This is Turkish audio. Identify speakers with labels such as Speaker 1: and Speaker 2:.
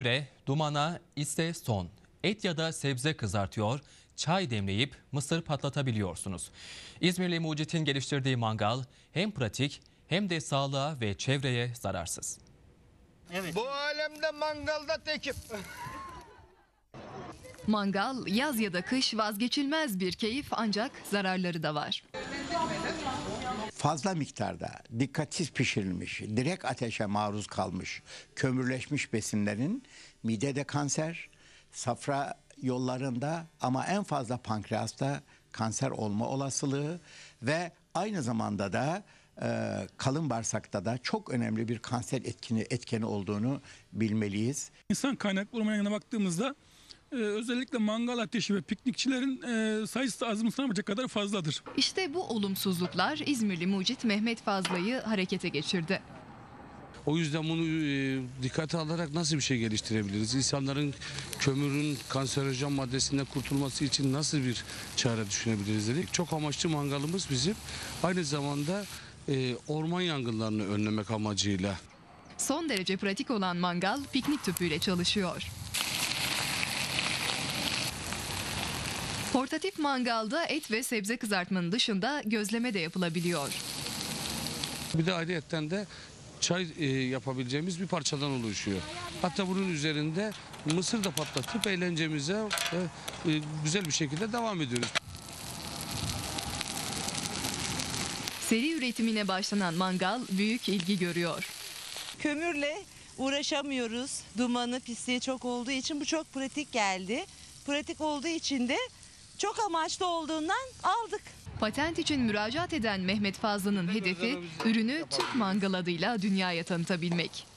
Speaker 1: Dumana ise son. Et ya da sebze kızartıyor, çay demleyip mısır patlatabiliyorsunuz. İzmirli Mucit'in geliştirdiği mangal hem pratik hem de sağlığa ve çevreye zararsız.
Speaker 2: Evet. Bu alemde mangalda tekim.
Speaker 3: Mangal yaz ya da kış vazgeçilmez bir keyif, ancak zararları da var.
Speaker 4: Fazla miktarda dikkatsiz pişirilmiş, direkt ateşe maruz kalmış, kömürleşmiş besinlerin midede kanser, safra yollarında ama en fazla pankreasta kanser olma olasılığı ve aynı zamanda da kalın bağırsakta da çok önemli bir kanser etkeni olduğunu bilmeliyiz.
Speaker 5: İnsan kaynaklı ormanına baktığımızda özellikle mangal ateşi ve piknikçilerin sayısı azımsanamayacak kadar fazladır.
Speaker 3: İşte bu olumsuzluklar İzmirli Mucit Mehmet Fazla'yı harekete geçirdi.
Speaker 6: O yüzden bunu dikkate alarak nasıl bir şey geliştirebiliriz? İnsanların kömürün kanserojen maddesinden kurtulması için nasıl bir çare düşünebiliriz dedik. Çok amaçlı mangalımız bizim. Aynı zamanda orman yangınlarını önlemek amacıyla.
Speaker 3: Son derece pratik olan mangal piknik tüpüyle çalışıyor. Portatif mangalda et ve sebze kızartmanın dışında gözleme de yapılabiliyor.
Speaker 6: Bir de ayrıyetten de çay yapabileceğimiz bir parçadan oluşuyor. Hatta bunun üzerinde mısır da patlatıp eğlencemize güzel bir şekilde devam ediyoruz.
Speaker 3: Seri üretimine başlanan mangal büyük ilgi görüyor.
Speaker 7: Kömürle uğraşamıyoruz. Dumanı, pisliği çok olduğu için bu çok pratik geldi. Pratik olduğu için de çok amaçlı olduğundan aldık.
Speaker 3: Patent için müracaat eden Mehmet Fazlı'nın hedefi ürünü Türk Mangal adıyla dünyaya tanıtabilmek.